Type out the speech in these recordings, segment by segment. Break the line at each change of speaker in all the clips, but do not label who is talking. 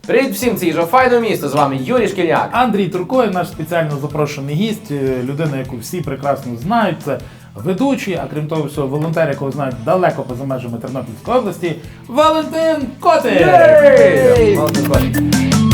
Привіт всім, це Їжа Файне місто, з вами Юрій Шкільняк.
Андрій Туркоєв, наш спеціально запрошений гість, людина, яку всі прекрасно знають, це ведучий, а крім того всього, волонтер, якого знають далеко поза межами Тернопільської області, Валентин Котик!
Валентин Котик.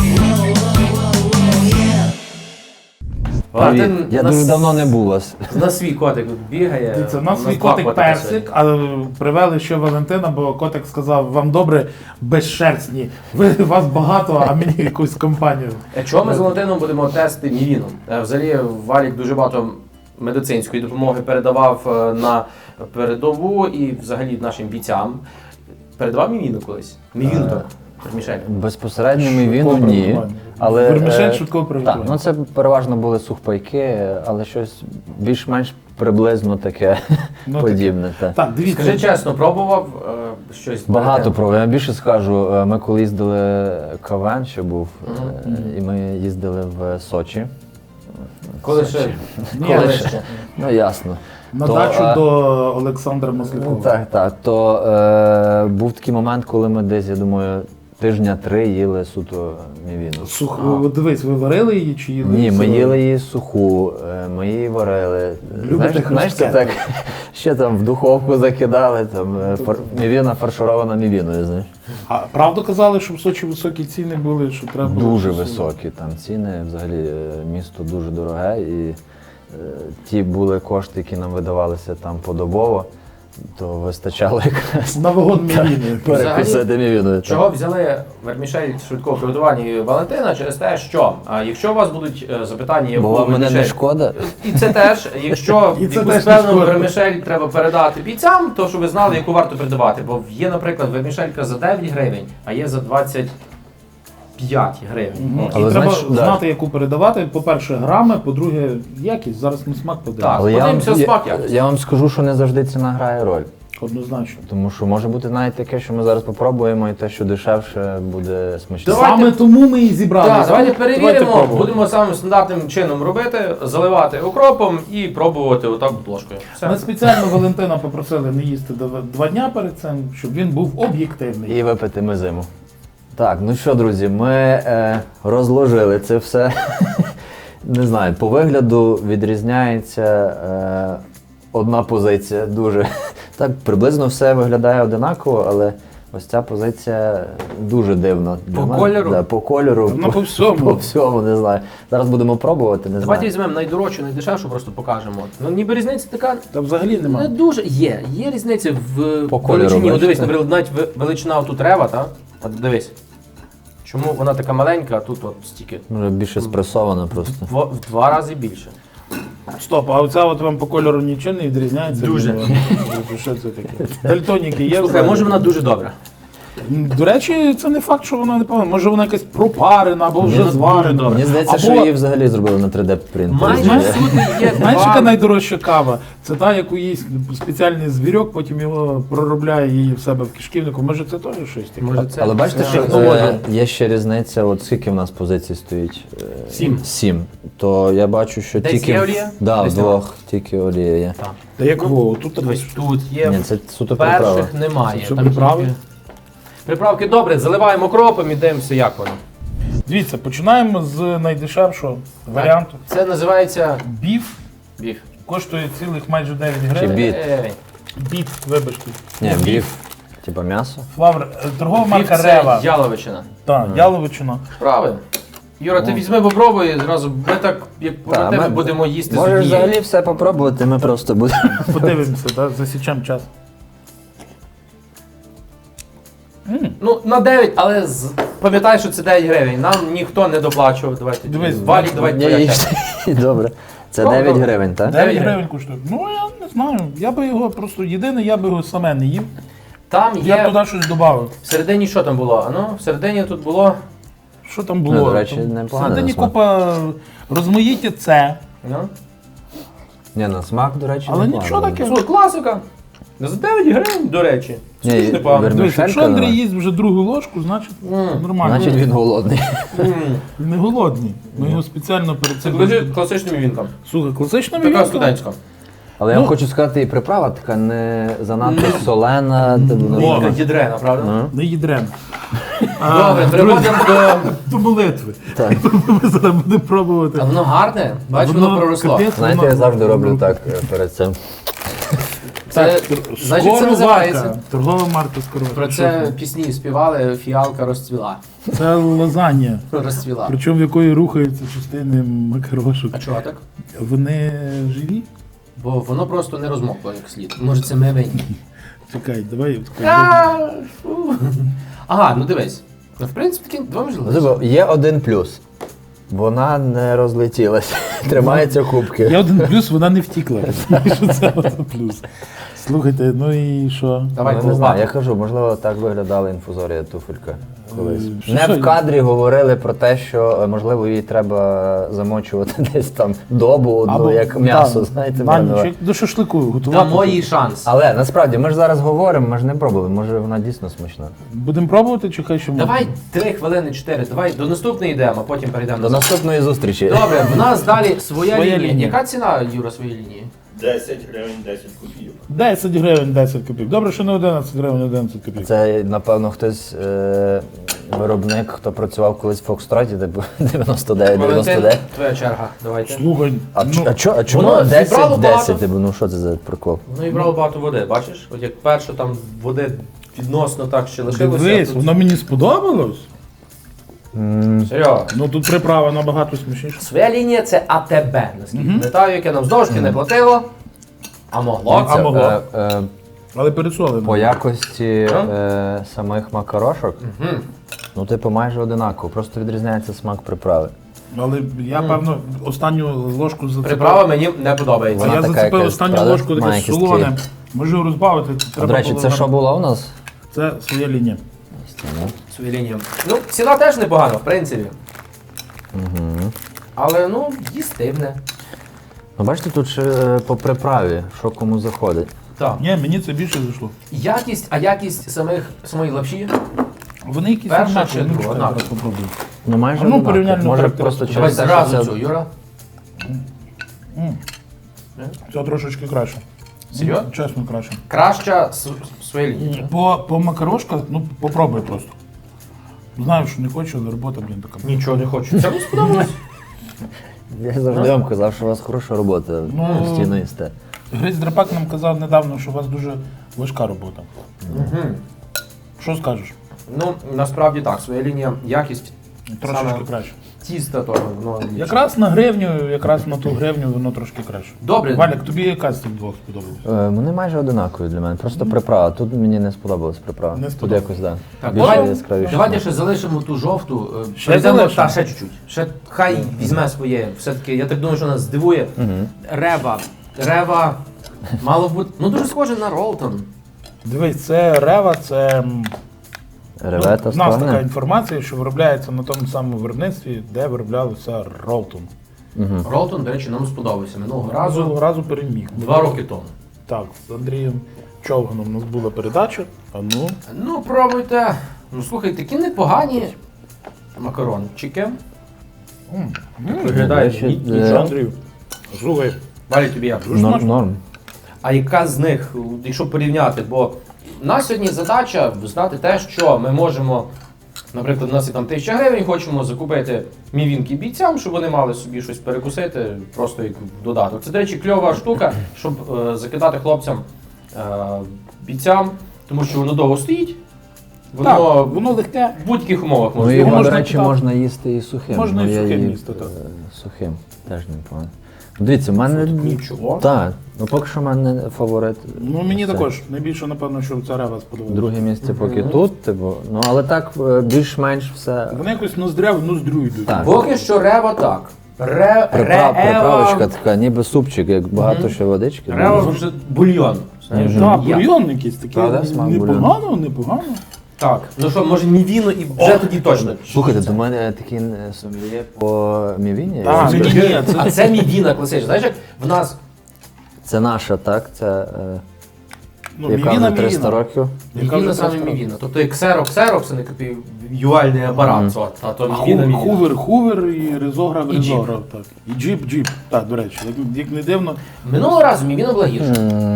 Валентин,
Я дуже давно не був у вас.
на свій котик бігає.
Це у нас свій
два
котик
котика
Персик, а привели ще Валентина, бо котик сказав, вам добре безшерстні, вас багато, а мені якусь компанію.
Чого ми з Валентином будемо тестити мівіну? Взагалі, Валік дуже багато медицинської допомоги передавав на передову і взагалі нашим бійцям. Передавав мівіну колись? Мівіну так, Вермішель.
Безпосередньо ми віну ні. Але
Вермішель швидкого
так,
приготування.
ну це переважно були сухпайки, але щось більш-менш приблизно таке
Ну,
подібне. Та.
Так, дивіться.
Скажи чесно, пробував щось?
Багато
перед тим?
пробував. Я більше скажу, ми коли їздили КВН, ще був, і ми їздили в Сочі.
Коли ще?
Ні,
Коли
але
ще?
Ну ясно.
На
То,
дачу до Олександра Маслякова.
Так. То був такий момент, коли ми десь, я думаю, тижня 3 їли суто мівіну.
От дивись, ви варили її чи їли?
Ні, ми
сирою?
їли її суху, ми її варили.
Любите
Знаєш, це
хрустке?
так, ще там в духовку закидали, там мівіна фарширована мівіною, знаєш.
А правду казали, що в Сочі високі ціни були, що треба було
Дуже
щось-
високі там ціни, взагалі місто дуже дороге, і ті були кошти, які нам видавалися там подобово, то вистачало якраз
На вагон мівіни.
перекусити мівіною.
Чого взяли вермішель швидкого приготування і Валентина? Через те, що якщо у вас будуть запитання, яку
Бо вам мене не
вермішель-
шкода.
І це теж, якщо
І це
якусь
теж не
певну
шкода.
вермішель треба передати бійцям, то щоб ви знали, яку варто передавати. Бо є, наприклад, вермішелька за 9 гривень, а є за 25 гривень.
І
Але
треба
знаєш, да.
знати, яку передавати. По-перше, грами, по-друге, якість. Зараз ми смак подивимося.
Так.
Але
Подивимося смак якось.
я вам скажу, що не завжди ціна грає роль.
Однозначно.
Тому що може бути навіть таке, що ми зараз попробуємо, і те, що дешевше, буде смачніше.
Давайте-
Саме тому ми і зібрали.
Так, давайте
Давайте
перевіримо,
пробувати.
будемо самим стандартним чином робити, заливати окропом і пробувати отак ложкою. Все.
Ми спеціально Валентина попросили не їсти 2 дня перед цим, щоб він був об'єктивний.
І випити ми зиму. Так, ну що, друзі, ми розложили це все. Не знаю, по вигляду відрізняється одна позиція дуже. Так, приблизно все виглядає одинаково, але ось ця позиція дуже дивна. для
По
мене.
кольору?
Да, по кольору.
Ну, по всьому.
По всьому, не знаю. Зараз будемо пробувати, не
Давайте
знаю.
візьмемо найдорожчу, найдешевшу, просто покажемо. Ну ніби різниця така
Та взагалі
не
немає.
дуже. Є різниця в
По кольору,
величині. От
бачите?
дивись, наприклад, навіть величина тут рева, так? От дивись. Чому вона така маленька, а тут от стільки?
Може більше спресовано просто.
В 2 рази більше.
Стоп, а оця от вам по кольору нічого не відрізняється?
Дуже.
Ну, що це таке? Дальтоніки є?
Слухай,
взагалі?
може вона дуже добра.
До речі, це не факт, що вона не погана. Може вона якась пропарена або вже
Вона
зварена.
дуже
Мені здається,
Або-
що її взагалі зробили на 3D принтері.
Майже
Знаєш-
всюди є
Знаєш, яка
два.
найдорожча кава? Це та, яку їсть спеціальний звірок, потім його проробляє її в себе в кишківнику. Може це теж щось таке?
Може, це
Але бачите,
це
що
технологія.
є ще різниця, от скільки в нас позицій стоїть?
7.
7. То я бачу, що
Десь
тільки
є олія?
Да,
Десь
вдвох тільки олія є.
Так.
Та як во, тут
Дивись, тут є.
Ні, це суто приправа.
Перших немає.
Це що,
Там
приправи?
тільки- Приправки добре, заливаємо окропом і дивимося, як воно.
Дивіться, починаємо з найдешевшого варіанту.
Це називається
Біф
біф.
коштує цілих майже 9
Чи
гривень.
біт?
Біт, вибачте.
Ні, біф. Типа м'ясо.
Флавр, торгова
Біф
марка
це
Рева.
яловичина.
Так, яловичина.
Правильно. Юра, ти візьми, попробуй, зразу ми так, як
Та,
про тебе
ми-
будемо їсти
Можеш
з однієї.
взагалі все попробувати, ми просто будемо.
Подивимося, так, засічемо час.
Ну, на 9, але пам'ятай, що це 9 гривень. Нам ніхто не доплачував. Давайте.
Дивись,
Валік, давай
Ні,
твоя
їж.
черга.
Добре. Це
Добре,
9
добре.
гривень, так?
9
гривень.
гривень коштує. Ну, я не знаю. Я би його просто єдине, я би його саме не їв.
Там
Я б
є.
туди щось додав.
Всередині що там було? А ну, всередині тут було.
Що там було?
Ну, до речі,
Там
непогано
всередині
на смак.
купа розмаїття це.
Ну.
Ні, на смак, до речі,
Але
непогано.
нічого таке.
Слухай, класика. За 9 гривень, до речі.
Ні,
Це ж непогано.
вермішелька
Дивись, якщо Андрій
давай.
їсть вже другу ложку, значить нормально.
Значить він голодний.
М.
Він не голодний. Ми його спеціально перед
Це
цим.
лежить класичним вінком.
Слухай, класична
Така
мівінка.
студентська.
Але я вам хочу сказати, і приправа така не занадто солена.
Така дідрена, правда?
Не їдрен.
Добре, переходимо
До молитви.
Так.
Ми зараз будемо пробувати.
А воно гарне, бач, воно проросло.
капець,
Знаєте,
воно-
я завжди роблю так перед цим.
Це, значить, це називається.
Скороварка. Торгова марка скороварка.
Про це пісні співали, фіалка розцвіла.
Це лазанья.
Розцвіла.
Причому в якої рухаються частини макарошок.
А чого так?
Вони живі?
Бо воно просто не розмокло як слід. Може це ми винні.
Чекай, давай.
Ага, ну дивись. Ну, в принципі, такі два можливості.
Є один плюс. Вона не розлетілася. Тримається кубки.
Є один плюс, вона не втікла. Що це один плюс? Слухайте, ну і що?
Давай
Ну, не знаю, я
колбату.
кажу, можливо, так виглядала інфузорія туфелька колись.
Що,
Не
що?
в кадрі говорили про те, що можливо її треба замочувати десь там добу одну, як м'ясо, знаєте,
на
мене.
ніч, до шашлику готувати.
Дамо їй шанс.
Але насправді ми ж зараз говоримо, ми ж не пробували, може вона дійсно смачна.
Будемо пробувати, чи хай що ми?
Давай 3 хвилини, 4. Давай до наступної йдемо, а потім перейдемо
До наступної зустрічі.
Добре, в нас далі своя
Своя
лінія.
лінія.
Яка ціна, Юра, своєї лінії?
10 гривень, 10 копійок.
10 гривень, 10 копійок. Добре, що не 11 гривень, 11 копійок.
Це, напевно, хтось виробник, хто працював колись в Фокстроті, типу 99,
Валентин,
99.
твоя черга, давайте.
Слухай,
А чому
воно
10,
зібрало
10?
багато.
Типу, ну що це за прикол?
Ну і брало багато води, бачиш? От як перше там води відносно так ще лишилося.
дивись,
тут...
воно мені сподобалось.
Серйозно.
Ну тут приправа набагато смачніша.
Своя лінія це АТБ, наскільки пам'ятаю, яке нам здовжки не платило, а могло.
А могло.
Е,
Але пересолено.
По якості самих макарошок, ну, типу, майже одинаково, просто відрізняється смак приправи.
Але я, певно, останню ложку зацепив.
Приправа мені не подобається.
Вона
Я
така
зацепив
якась,
останню
правда?
ложку, таке
Має якісь
солоне.
такі-
Можу розбавити.
До речі, це що було у нас?
Це своя лінія.
Свою лінію. Ну, ціна теж непогана, в принципі. Але, ну, їстивне.
Ну, бачите, тут ще по приправі, що кому заходить.
Так.
Ні, мені це більше зайшло.
Якість самої лапші.
Вони якісь
Перша
однакові,
чи
ну,
друга?
чекай,
Однакові.
зараз попробую.
Ну, майже
А ну,
однаково.
порівняльну
Може
характеристику.
просто
Давай
через
зразу
це-
цю, Юра.
Це трошечки краще.
Серйозно?
Чесно, краще.
Краща своя лінія.
По макарошках, ну попробуй просто. Знаю, що не хочу, але робота, блін, така.
Нічого не хочу. Це мені сподобалось.
Я завжди вам казав, що у вас хороша робота,
Ну,
постійно їсте.
Гриць Драпак нам казав недавно, що у вас дуже важка робота. Що скажеш?
Ну, насправді так, своя лінія, якість
Трошечки
саме
краще.
тіста того, воно ліпше.
Якраз на гривню, якраз на ту гривню воно трошки краще.
Добре.
Валік, тобі яка з цих двох сподобалась?
Вони майже одинакові для мене, просто приправа. Тут мені не сподобалась приправа.
Не
Тут
сподобалось.
якось, так.
Так,
Більше
давай-
яскравіше.
Давайте ще залишимо ту жовту.
Ще
Перейдемо-
залишимо?
Та, ще чуть-чуть. Ще хай візьме своє. Все-таки, я так думаю, що нас здивує. Рева. Рева мало бути. Ну дуже схоже на Ролтон.
Дивись, це рева, це
Ревета
в нас така
сторони.
інформація, що виробляється на тому самому виробництві, де вироблялося Ролтон.
Ролтон, до речі, нам сподобався минулого
Разу
разу.
переміг.
2 роки тому.
Так, з Андрієм Човганом у нас була передача. А ну,
Ну, пробуйте. Ну, слухай, такі непогані макарончики. Виглядає
До речі,
нічого, Андрію. Слухай,
Валі, тобі як?
Норм.
А яка з них, якщо порівняти, бо в нас сьогодні задача знати те, що ми можемо, наприклад, у нас є там 1000 гривень, хочемо закупити мівінки бійцям, щоб вони мали собі щось перекусити, просто як додаток. Це, до речі, кльова штука, щоб закидати хлопцям бійцям, тому що воно довго стоїть,
так,
воно
воно легке.
в будь-яких умовах
Ну,
можна.
його,
можна
до речі,
так.
можна їсти і сухим.
Можна
Ну,
і
я
сухим
їв,
їсти, так.
Сухим, теж непогано. Дивіться, в мене...
Нічого.
Так, ну поки що в мене фаворит.
Ну мені
Це.
також. Найбільше, напевно, що ця рева сподобалася.
Друге місце поки тут, типу. Ну, але так більш-менш все.
Вони якось ноздря в ноздрю йдуть.
Так.
Поки що рева так.
Приправочка така, ніби супчик, як багато ще водички.
Рева вже бульйон. Знаєш,
Так,
я-
бульйон якийсь такий.
Правда, смак
Непогано, непогано.
Так, ну що, може мівіно і вже тоді точно.
Слухайте, до мене такий сомельє по мівіні.
Так,
Я-
ні, це
А це мівіна класична. Знаєш, як в нас
Це наша, так? Це
ну,
яка
мівіна,
вже 300
мівіна.
років.
Яка
мівіна
вже
саме
просто-
мівіна. Тобто як ксерокс, це не в'юальний апарат. А то мівіна.
Хувер і ризограф
І
ризограф. Так. І джіп. Так, до речі, як не дивно,
Минулого разу мівіна була гірша.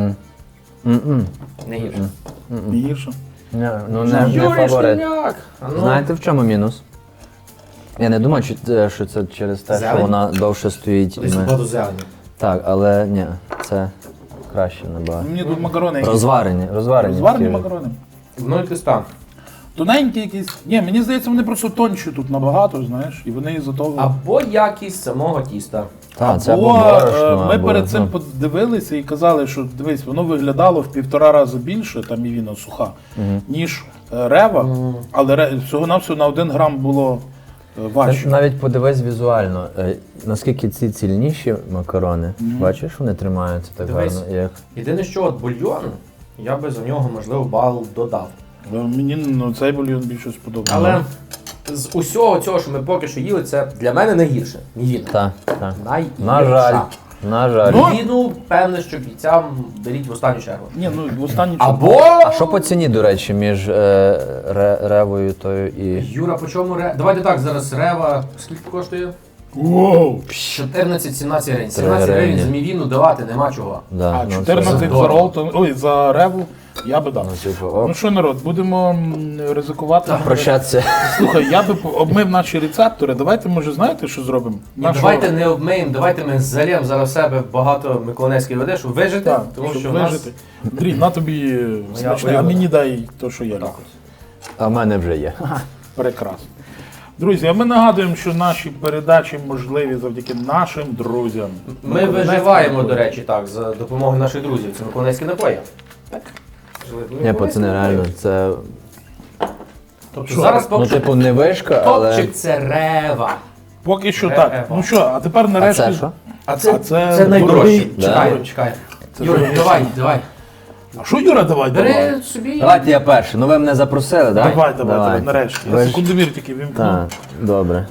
М-м.
Не гірша.
не гірше.
Ну, не
Юрій
фаворит.
Шкільняк!
Знаєте, в чому мінус? Я не думаю, що це через те, що
Зелень?
вона довше стоїть.
Десь багато зелені.
Так, але ні, це краще набагато.
Мені тут макарони якісь.
Розварені.
Розварені
такі.
макарони.
Ну і киста.
Тоненькі якісь. Ні, мені здається, вони просто тонші тут набагато, знаєш, і вони із-за того.
Або якість самого тіста.
Так, це
Або,
або борошно,
ми
або,
перед цим
ну,
подивилися і казали, що дивись, воно виглядало в 1,5 рази більше, там мівіна суха, ніж рева, але всього-навсього на 1 грам було
Це
важче.
навіть подивись візуально, наскільки ці цільніші макарони, бачиш, вони тримаються так
Дивись.
гарно, як.
Єдине, що от бульйон, я би за нього, можливо, бал додав.
Мені цей бульйон більше сподобався.
Але з усього цього, що ми поки що їли, це для мене найгірше. Мівіна.
Так, так.
Найгірша.
На жаль. На жаль.
Ну,
Мівіну, певне, що бійцям беріть в останню чергу.
Ні, ну в останній
Або...
А що по ціні, до речі, між ревою тою і.
Юра, по чому Давайте так, зараз рева скільки коштує?
Воу!
14-17 гривень. 17
3
гривень
гривні.
за мівіну давати нема чого.
Да,
А
ну, це
14 за
дорого.
ролтон, ой, за реву я би дав.
Ну, типу, оп.
Ну що, народ, будемо ризикувати.
Прощатися.
Слухай, я би обмив наші рецептори. Давайте, може, знаєте, що зробимо?
І давайте не обмиємо, давайте ми зальємо зараз в себе багато миколаївської води, щоб вижити,
Так,
тому
щоб
що в нас...
вижити. Андрій, на тобі смачне, а мені дай те, що я люблю.
А в мене вже є.
Прекрасно. Друзі, а ми нагадуємо, що наші передачі можливі завдяки нашим друзям.
Ми виживаємо, до речі, так, за допомогою наших друзів. Це миколаївські напої. Так.
Ні, пацани, реально, це.
Тобто зараз
Ну,
поки
типу, не вишка, але.
топчик це рева.
Поки що так. Ну що, а тепер
А
нарешті.
це що?
А
це
це найдорожче.
дорогий.
Чекай.
Це
Юра,
дорогий.
давай.
А що, Юра, давай?
Бери собі.
Давайте я перший. Ну ви мене запросили, так?
Давай, нарешті.
Ви
Я
ж-
секундомір тільки вімкну.
Так, добре.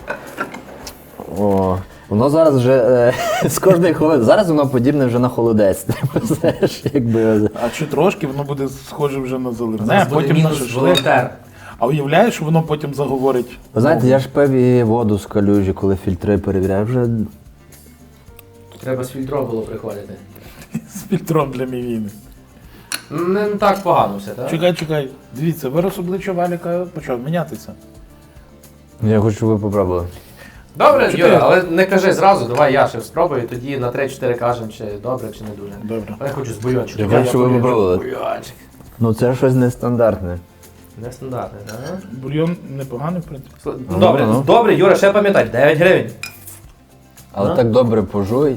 О, воно зараз вже з кожної хвилини. Зараз воно подібне вже на холодець. Типу, знаєш, якби.
А чи трошки воно буде схоже вже на заливне,
Зараз
а
буде
потім на
мінус
шашлик.
волонтер.
А уявляєш, воно потім заговорить.
Ви знаєте, я ж пив і воду з калюжі, коли фільтри перевіряю. Вже
Треба з фільтром було приходити.
з фільтром для мівіни.
Не так погано все, так?
Чекай. Дивіться, вираз обличчя Валіка почав мінятися.
я хочу, щоб ви попробували.
Добре,
Чотири.
Юра, але не кажи зразу, давай я ще спробую, тоді на 3-4 кажемо, чи добре, чи не дуже.
Добре.
Але я хочу з бульйончиком.
Я хочу, щоб ви
полюблю.
попробували.
Бульйончик.
Ну це щось нестандартне.
Нестандартний, так?
Бульйон непоганий, в принципі.
Добре,
ну.
добре, Юра, ще пам'ятай, 9 гривень.
Але
Ну.
так добре пожуй.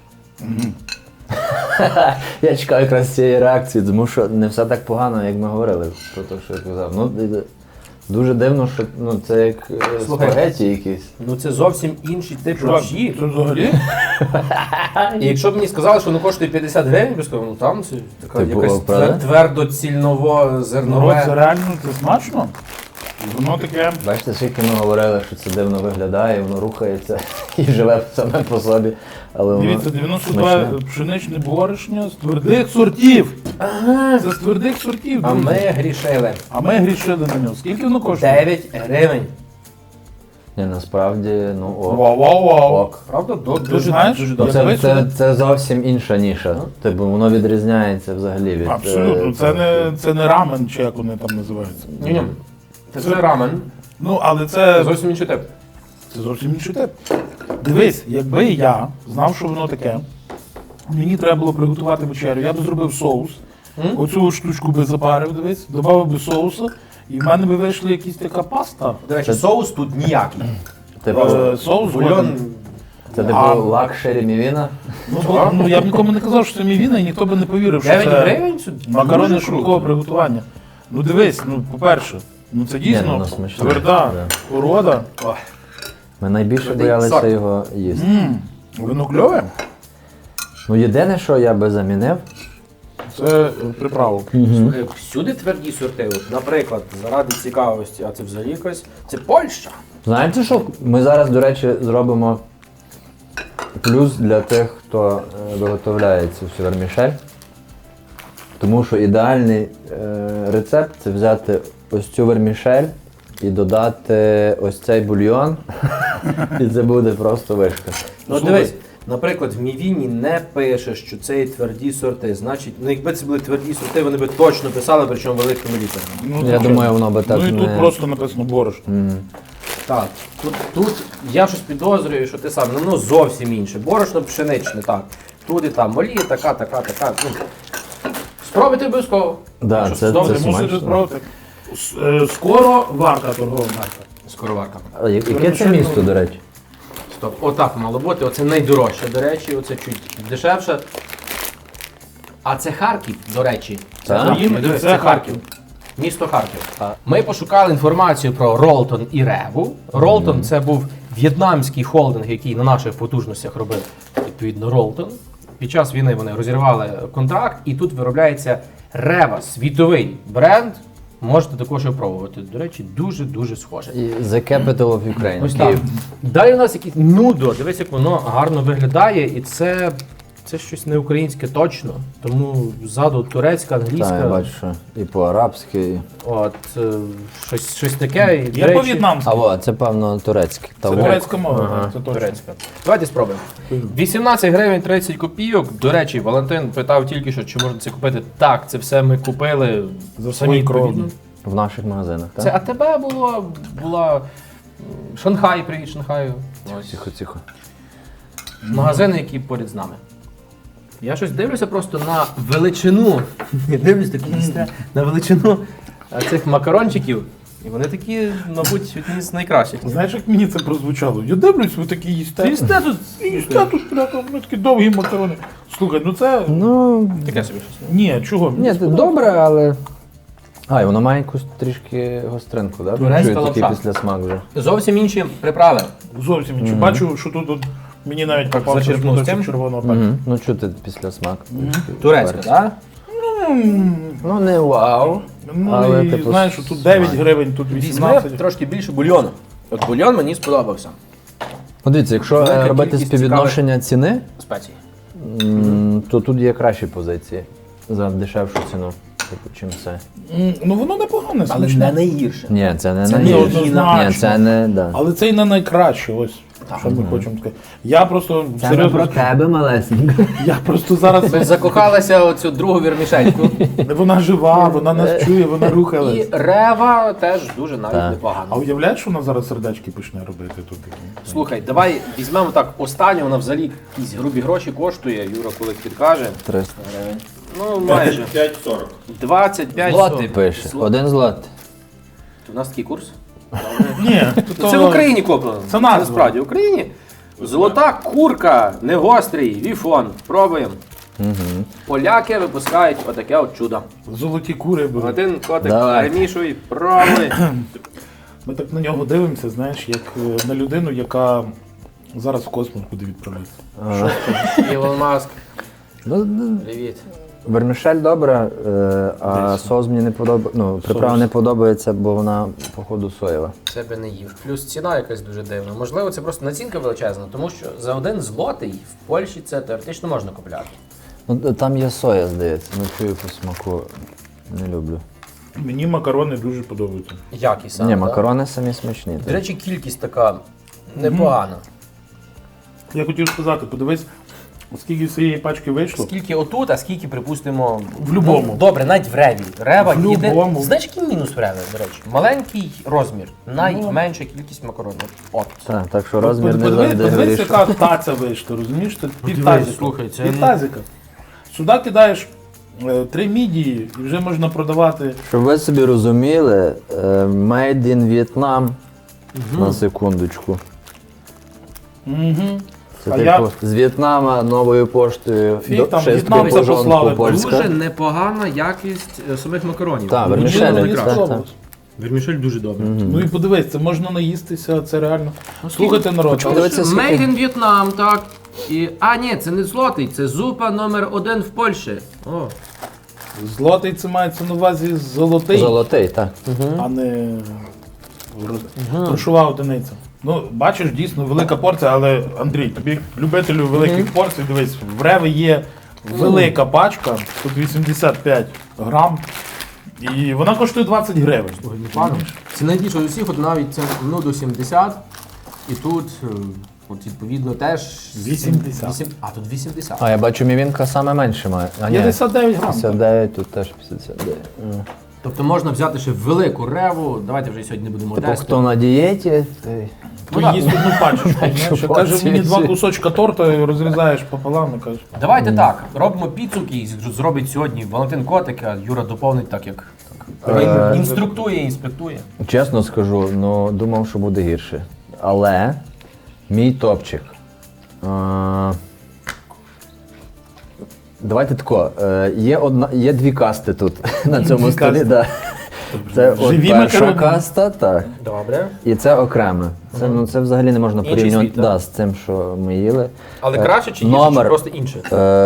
Я чекаю якраз цієї реакції, тому що не все так погано, як ми говорили про те, що я казав. Ну, дуже дивно, що ну, це як
Слухай.
спагеті якісь.
Ну це зовсім інший тип
Чувак,
борщі.
це взагалі?
І якщо б мені сказали, що воно коштує 50 гривень, я б сказав, ну там це така
Типу,
якась
правда?
твердоцільново
Народ,
зернове.
це реально це смачно. Воно таке.
Бачите, скільки ми говорили, що це дивно виглядає, воно рухається і живе саме по собі. Але воно
Дивіться, 92
смачне.
пшеничне борошно з твердих сортів. Це з твердих сортів,
А
друзі.
ми грішили.
А ми грішили на нього. Скільки воно коштує?
9 гривень.
Ні, насправді, ну ок.
Вау.
Ок.
Правда?
Ти знаєш,
дуже
Ну,
добре.
як
це зовсім інша ніша. Типу, воно відрізняється взагалі від.
Абсолютно, це не рамен, чи як вони там називаються.
Ні-ні. Це рамен.
Ну, але
Це
це
зовсім інший тип.
зовсім інший тип. Дивись, якби я знав, що воно таке, мені треба було приготувати вечерю, я б зробив соус, оцю штучку би запарив, дивись, додав би соусу, і в мене би вийшла якась така паста.
До речі, соус тут ніякий.
Типу,
Соус
Бульйон.
годен.
це типу
А-
лакшері мівіна.
Ну, я б нікому не казав, що це мівіна, і ніхто би не повірив, що
9
це
гривень? Це
макарони
дуже
швидкого
круто.
приготування. Ну дивись, ну по-перше, ну це
Ні,
дійсно
воно смачне,
тверда
да.
порода.
Ой.
Ми найбільше
Твердий
боялися
сорт.
його їсти.
Воно кльове,
Ну єдине, що я би замінив,
це приправа.
Слухай, всюди тверді сорти. От, наприклад, заради цікавості, а це взагалі якось. Це Польща.
знаєте що? Ми зараз, до речі, зробимо плюс для тих, хто виготовляє цю всю вермішель. Тому що ідеальний рецепт це взяти ось цю вермішель, і додати ось цей бульйон, і це буде просто вишка.
Ну дивись, наприклад, в Мівіні не пише, що це є тверді сорти. Значить, ну якби це були тверді сорти, вони би точно писали, причому великими літерами.
Ну,
Я
то
думаю,
що?
воно би так
Ну і
не...
тут просто написано борошно.
Так, тут я щось підозрюю, що ти сам, ну зовсім інше. Борошно пшеничне, так. Тут і там олія, така. Ну, спробуйте обов'язково.
Да,
Що,
це
добре,
Мусите
смачно.
спробувати. Скоро варка торгова марка.
Скороварка.
А яке це місто, до речі?
Стоп, отак мало бути. Оце найдорожче, до речі, оце чуть дешевше. А це Харків, до речі.
Так?
Україна,
Дивись,
це Харків.
Місто Харків. Ми пошукали інформацію про Ролтон і Реву. Ролтон це був в'єтнамський холдинг, який на наших потужностях робив відповідно Ролтон. Під час війни вони розірвали контракт, і тут виробляється Рева, світовий бренд. Можете також його пробувати. До речі, дуже схоже.
І The Capital of Ukraine.
Ось так. Далі у нас якийсь нудо. Дивись, як воно гарно виглядає, і це щось не українське точно. Тому ззаду турецька, англійська.
Так, я бачу, що і по-арабськи. І...
От щось таке. І, до
Я
речі,
по-в'єтнамськи.
Це певно турецьке.
Це
Та
турецька мова,
Ага.
так, це точно.
турецька. Давайте спробуємо. 18 гривень 30 копійок. До речі, Валентин питав тільки що, чи можна це купити. Так, це все ми купили
За
самі
свої крові.
відповідно.
В наших магазинах, так?
Це АТБ була Шанхай, привіт Шанхаю. Ось.
Тихо.
Магазини, які поряд з нами. Я щось дивлюся просто на величину. Я дивлюсь такі їсте, на величину цих макарончиків. І вони такі, мабуть, одні з найкращих.
Знаєш, як мені це прозвучало? Я дивлюсь, ви такі їсте.
Їсте тут.
Їсте тут, бляха, вони такі довгі макарони. Слухай, ну це...
Ну,
Таке собі щось.
Ні, чого?
ні, це добре, але... А, і воно має якусь трішки гостринку, так?
Турецька
Чую такий
лапша.
після смак вже.
Зовсім інші приправи.
Зовсім нічого. Бачу, що тут от мені навіть попався
зачерпнув з
шматочок
тим?
червоного перцю.
Ну, чути після смак.
Турецька, так?
Ну, не вау.
Ну,
Але,
і
типу,
знаєш, що тут 9 гривень, тут
Візьми
18.
трошки більше бульйону. От бульйон мені сподобався.
Подивіться, якщо
Велика
робити
кількість
співвідношення ціни,
Спеції.
то тут є кращі позиції за дешевшу ціну, типу, чим це.
Ну воно непогане,
Але
смачне.
не найгірше.
Ні, це не
Це
найгірше.
неоднозначно.
Ні, це не, да.
Але це і не найкраще, ось, що ми хочемо сказати. Я просто,
Це не
серйозно,
про тебе, малесенько.
я просто зараз,
Ми закохалися оцю другу вірмішельку.
вона жива, вона нас чує, вона
І
рухалась.
Рева теж дуже навіть
Так.
А
непогано.
уявляєш, що вона зараз сердечки почне робити тут?
Слухай, давай візьмемо так останню, вона взагалі якісь грубі гроші коштує, Юра коли підкаже.
300
гривень. Ну, майже.
5,40.
25
злотий пише. 1 злотий.
У нас такий курс.
Ні,
Це в Україні куплено.
Це назва.
Насправді, в Україні. Золота курка, негострий, віфон. Пробуємо. Поляки випускають отаке от чудо.
Золоті кури були.
Один котик
Давай.
перемішуй, пробуй.
Ми так на нього дивимося, знаєш, як на людину, яка зараз в космос буде відправлятися.
Ілон Маск,
Ну,
привіт.
вермішель добре, а соус мені не подобається. Ну, приправа не подобається, бо вона, походу, соєва.
Це би не їв. Плюс ціна якась дуже дивна. Можливо, це просто націнка величезна, тому що за 1 злотий в Польщі це теоретично можна купляти.
Ну, там є соя, здається. Ну, чую по смаку. Не люблю.
Мені макарони дуже подобаються.
Якість саме.
Ні,
так?
макарони самі смачні.
До речі, кількість така непогана.
Я хотів сказати, подивись, скільки з цієї пачки вийшло.
Скільки отут, а скільки, припустимо,
В любому.
Ну, добре, навіть в Реві. Рева
В
їде.
любому.
Знаєш, який мінус в Реві, до речі? Маленький розмір, найменша кількість макаронів. От.
Так що розмір не
Подивись,
завжди
подивись,
вирішує.
яка таця вийшла, розумієш? Це
Подивись,
півтазика.
слухай, це-
Півтазика. Сюди кидаєш 3 мідії і вже можна продавати.
Щоб ви собі розуміли, made in Vietnam, на секундочку.
Угу.
Це
А
типу
я-
з В'єтнама новою поштою
Фіг там,
шесткою
В'єтнам це
пожонку
послали.
польська.
Дуже непогана якість самих макаронів.
Так,
Мені
вермішель,
мені
так,
сподобалось.
Вермішель дуже добре.
Ну і подивись, це можна наїстися, це реально. Слухайте, народ,
Почему
але
дивитися, скільки-
Made in Vietnam, так. А, ні, це не злотий, це зупа номер 1 в Польщі. О.
злотий це мається на увазі золотий,
Золотий, так.
а не грошова одиниця. Ну, бачиш, дійсно велика порція, але Андрій, тобі любителю великих порцій, дивись, в Реви є велика пачка, тут 85 грам. І вона коштує 20 гривень.
Пану, це найбільше з усіх, от навіть це до 70. І тут, от відповідно, теж
80.
А, тут 80.
А я бачу, мівінка саме менше має. А, ні,
59 грам.
59, тут теж 59.
Тобто можна взяти ще велику реву. Давайте вже сьогодні не будемо
Типу,
тестити.
хто на дієті, той...
То
так.
їсть одну пачечку. знаєш.
Що
Каже, мені 2
ці-
кусочка торта і розрізаєш пополам і кажеш.
Давайте так, робимо підсумки і зробить сьогодні Валентин Котик, а Юра доповнить так, як інструктує, інспектує.
Чесно скажу, ну думав, що буде гірше. Але мій топчик. Давайте тако. Є дві касти тут на цьому
Дві
столі.
касти.
Да. Це от
Живі
перша
макарони.
каста, так.
Добре.
І це окреме. Це, ну, це взагалі не можна
Інший
порівнювати
світ, так?
да, з цим, що ми їли.
Але краще чи гірше,
номер.
чи просто інше?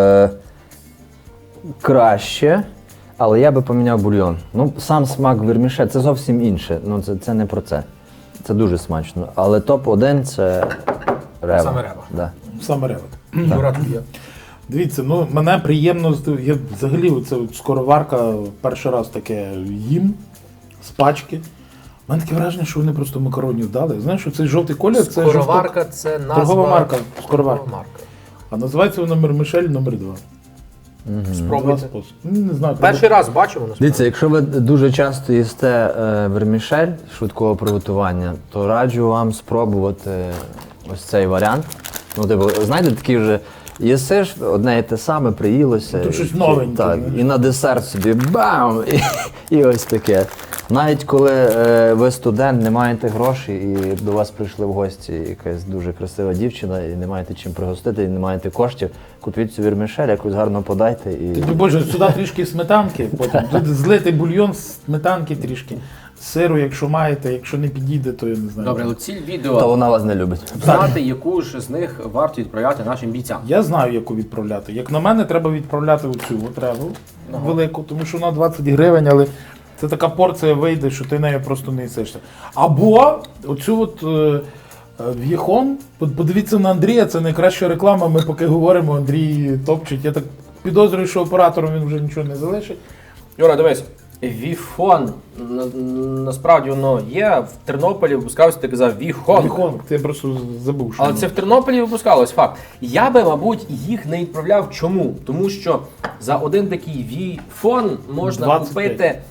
Краще, але я би поміняв бульйон. Ну, сам смак верміше, це зовсім інше. Ну, це не про це. Це дуже смачно. Але топ-1 це рева.
Саме рева.
Да.
Саме ревет.
Юра, тобі.
Дивіться, ну мене приємно я взагалі оце от скороварка перший раз таке їм з пачки. У мене таке враження, що вони просто макаронів дали. Знаєш, що цей жовтий колір це
Скороварка – це назва.
Торгова марка, скороварка.
Торгова марка.
А називається вона Мишель номер 2.
Спробуйте.
Не знаю.
Перший раз бачимо насправді.
Дивіться, якщо ви дуже часто їсте вермішель швидкого приготування, то раджу вам спробувати ось цей варіант. Ну, типу, знаєте, такий вже їсиш, одне і те саме, приїлося.
Ну, тут щось
і-
новеньке,
Так,
знаєш.
і на десерт собі бам! І ось таке. Навіть коли ви студент, не маєте грошей і до вас прийшли в гості якась дуже красива дівчина, і не маєте чим пригостити, і не маєте коштів, купіть цю вірмішель, якусь гарно подайте. І...
Ти, Боже, сюди трішки сметанки, потім тут злити бульйон, сметанки трішки, сиру, якщо маєте, якщо не підійде, то я не знаю.
Добре, але ціль
Та
відео
вона вас не любить.
знати, яку ж з них варто відправляти нашим бійцям.
Я знаю, яку відправляти. Як на мене, треба відправляти оцю от реву велику, тому що вона 20 гривень, але це така порція вийде, що ти нею просто не їсишся. Або оцю от в'єхон, подивіться на Андрія, це найкраща реклама, ми поки говоримо, Андрій топчить. Я так підозрюю, що оператором він вже нічого не залишить.
Юра, дивись, Віфон, насправді воно є, в Тернополі випускався, ти казав Віхон.
В'єхон, ти просто забув, що
Але
воно.
це в Тернополі випускалось, факт. Я би, мабуть, їх не відправляв. Чому? Тому що за один такий Віфон можна
25.
купити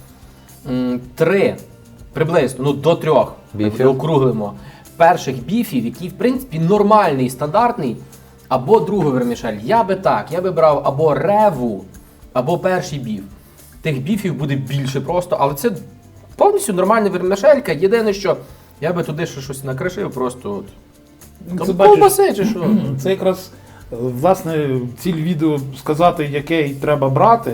3, приблизно, ну до 3,
Біфів?
округлимо, перших біфів, які, в принципі, нормальний, стандартний, або другий вермішель. Я би брав або реву, або перший біф. Тих біфів буде більше просто, але це повністю нормальна вермішелька. Єдине, що я би туди ще щось накришив, просто от.
Ну,
Там
це бачиш,
ковбаси чи що?
це якраз власне ціль відео сказати, який треба брати.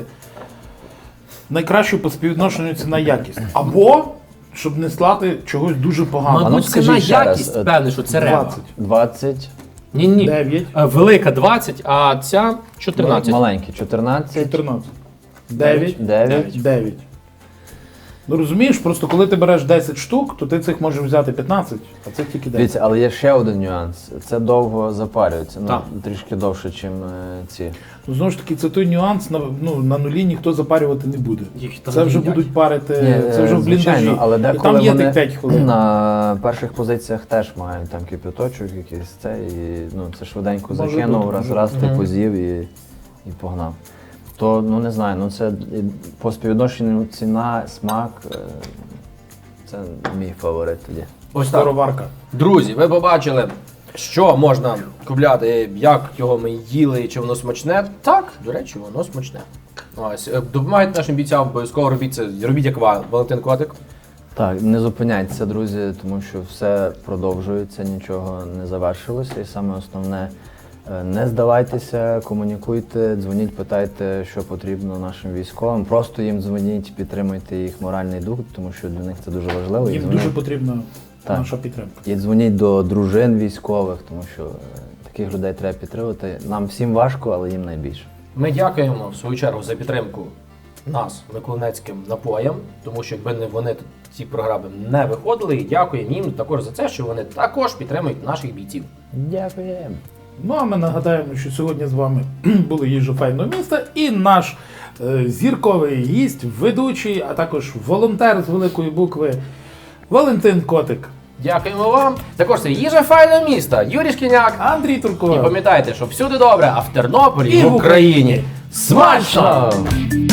Найкращу по співвідношенню ціна-якість. Або щоб не слати чогось дуже поганого.
ну,
Мабуть, ціна
скажіть ще раз,
якість, певне, що це рева.
20.
20,
Ні.
9.
Велика 20, а ця 14.
маленькі 14,
14. 9.
9.
9. Ну розумієш, просто коли ти береш 10 штук, то ти цих можеш взяти 15, а цих тільки 10.
Дивіться, але є ще один нюанс. Це довго запарюється,
Так.
трішки довше, ніж ці.
Ну, знову ж таки, це той нюанс, на нулі ніхто запарювати не буде.
Їх там
Це вже
їдять.
будуть парити,
Ні,
це вже в
звичайно,
бліндажі.
але
І
деколи
там є
вони
тих 5 хвилин.
на перших позиціях теж мають там кипяточок якийсь це, і ну, це швиденько
Може
закинув,
бути, може
раз ти
бути.
позів і погнав. То, ну не знаю, ну це по співвідношенню ціна, смак, це мій фаворит тоді.
Ось так.
Скороварка.
Друзі, ви побачили, що можна купляти, як його ми їли, чи воно смачне. Так, до речі, воно смачне. Ось, допомагайте нашим бійцям, обов'язково робіть це, робіть як Валентин Котик.
Так, не зупиняйтеся, друзі, тому що все продовжується, нічого не завершилося. І саме основне, не здавайтеся, комунікуйте, дзвоніть, питайте, що потрібно нашим військовим. Просто їм дзвоніть, підтримуйте їх моральний дух, тому що для них це дуже важливо. І
Їм
дзвоніть-
дуже потрібна
Так.
наша підтримка.
І дзвоніть до дружин військових, тому що таких людей треба підтримувати. Нам всім важко, але їм найбільше.
Ми дякуємо в свою чергу за підтримку нас, миколинецьким напоям, тому що якби не вони, ці програми не виходили. І дякуємо їм також за це, що вони також підтримують наших бійців.
Дякуємо.
Ну а ми нагадаємо, що сьогодні з вами були їжа файного міста і наш зірковий гість, ведучий, а також волонтер з великої букви Валентин Котик.
Дякуємо вам. Також це їжа файного міста. Юрій Шкільняк.
Андрій
І
Турко.
пам'ятайте, що всюди добре, а в Тернополі
І
і
в
в Україні смачно!
Смачно!